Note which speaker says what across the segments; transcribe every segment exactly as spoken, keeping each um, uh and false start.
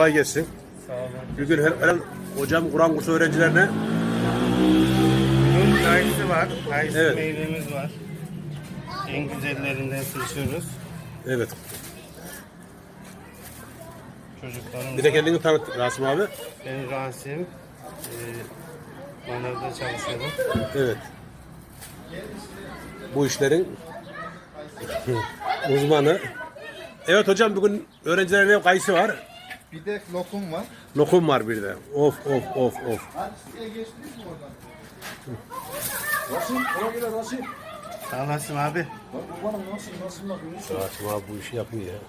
Speaker 1: Kolay gelsin.
Speaker 2: Sağ olun.
Speaker 1: Bugün her, her hocam Kur'an kursu öğrencilerine
Speaker 2: Bunun kayısı var. Kayısı
Speaker 1: Evet.
Speaker 2: meyvemiz var. En güzellerinden seçiyoruz.
Speaker 1: evet.
Speaker 2: Çocuklarımız
Speaker 1: Bir de
Speaker 2: var.
Speaker 1: kendini tanıt Rasim abi.
Speaker 2: Ben Rasim. Ee, Manavda çalışıyorum.
Speaker 1: Evet. Bu işlerin uzmanı. Evet hocam bugün öğrencilerine kayısı var.
Speaker 3: Bir de lokum var.
Speaker 1: Lokum var bir de. Of of of of.
Speaker 3: Hadi size geçtiniz mi oradan?
Speaker 4: Rasim, ona göre Rasim.
Speaker 2: Sağ olasın abi.
Speaker 4: Bak babanım nasıl, nasıl bakıyorsun?
Speaker 1: Rasim abi bu işi yapıyor ya.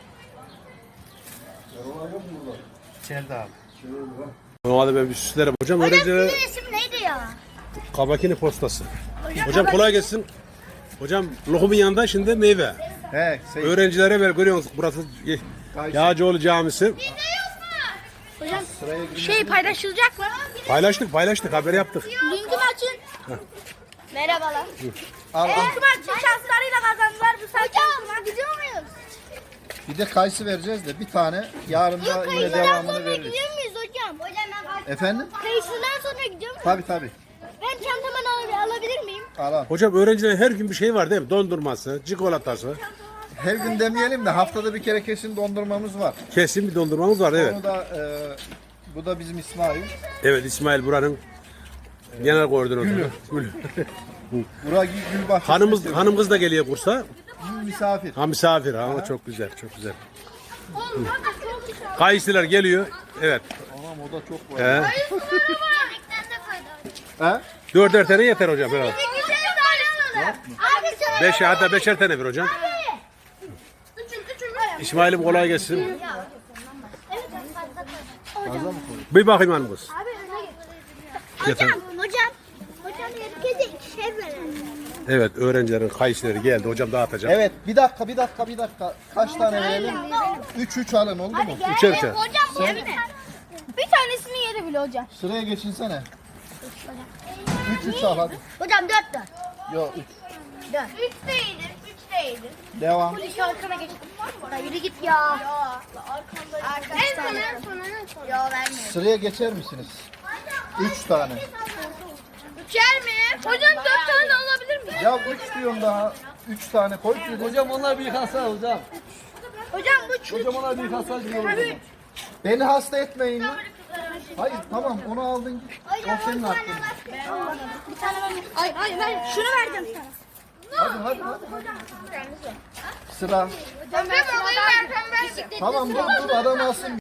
Speaker 4: Yalan yok mu burada?
Speaker 2: İçeride abi.
Speaker 4: Şöyle bak.
Speaker 1: Normalde ben bir süslerim. Hocam
Speaker 5: Hocam
Speaker 1: öğrencilere
Speaker 5: sizin isim neydi ya?
Speaker 1: Kabakini postası.
Speaker 5: Hocam,
Speaker 1: Hocam kolay gelsin. Hocam lokumun yanında şimdi meyve.
Speaker 3: He, şey,
Speaker 1: Öğrencilere ver görüyorsunuz burası Yağcıoğlu Camisi.
Speaker 5: Hocam şey paylaşılacak mı?
Speaker 1: Paylaştık paylaştık haber yaptık.
Speaker 5: Linkimi açın. Merhabalar.
Speaker 3: al, al.
Speaker 5: Linkimi açın şanslarıyla kazandılar bu sefer. Hocam gidiyor muyuz?
Speaker 3: Bir de kayısı vereceğiz de bir tane. Yarın da yine devamını veririz.
Speaker 5: Gidiyor muyuz hocam? Hocam ben
Speaker 3: Efendim?
Speaker 5: kayısından sonra gidiyor muyuz?
Speaker 3: Tabii tabii.
Speaker 5: Ben çantamı al alabilir miyim?
Speaker 3: Al al.
Speaker 1: Hocam öğrencilerin her gün bir şey var değil mi? Dondurması, çikolatası.
Speaker 3: Her gün demeyelim de haftada bir kere kesin dondurmamız var.
Speaker 1: Kesin bir dondurmamız var evet.
Speaker 3: Onu da e, bu da bizim İsmail.
Speaker 1: Evet İsmail buranın genel koordinatörü. Gülü.
Speaker 3: Burak Gülbahçe.
Speaker 1: Hanımız, hanım kız da geliyor kursa.
Speaker 3: misafir.
Speaker 1: Ha misafir ha çok güzel çok güzel. Kayısılar geliyor. Evet.
Speaker 3: Anam o da çok var.
Speaker 1: He.
Speaker 3: He?
Speaker 1: Dörder tane yeter hocam herhalde.
Speaker 5: Abi söyle.
Speaker 1: Beş hatta beşer tane bir hocam. İsmail'im kolay gelsin. Bir bakayım hanım kız. Yeter.
Speaker 5: Hocam, hocam. Hocam herkese ikişer verelim.
Speaker 1: Evet öğrencilerin kayısıları geldi hocam dağıtacak.
Speaker 3: Evet bir dakika bir dakika bir dakika. Kaç tane verelim? Üç üç alın oldu mu?
Speaker 1: Üçer üçer.
Speaker 5: Hocam yemin et. Bir tanesini yedi bile hocam.
Speaker 3: Sıraya geçinsene. Üç üç al hadi.
Speaker 5: Hocam dört dört.
Speaker 3: Yok üç.
Speaker 5: Dört. Üç de iyidir. Üç de iyidir.
Speaker 3: Devam.
Speaker 5: Polis arkana geçtim. Ya yürü git ya. Ya arkamda. En sona en sona en sona. Ya vermiyorum.
Speaker 3: Sıraya geçer misiniz? Üç tane.
Speaker 5: Üçer mi? Hocam dört tane de alabilir miyim?
Speaker 3: Ya üç diyorum daha. Üç tane koy.
Speaker 4: Hocam onlar bir kasa hocam.
Speaker 5: Hocam bu çocuk.
Speaker 4: Hocam onlar bir kasa diyor.
Speaker 3: Beni hasta etmeyin ya. Hayır tamam onu aldın git. O senin hakkın.
Speaker 5: Bir tane ben. Ay ay ben şunu verdim sana.
Speaker 3: Hadi hadi hadi. Sıra.
Speaker 5: Ben ben alayım ben ben.
Speaker 3: Tamam dur dur adam alsın.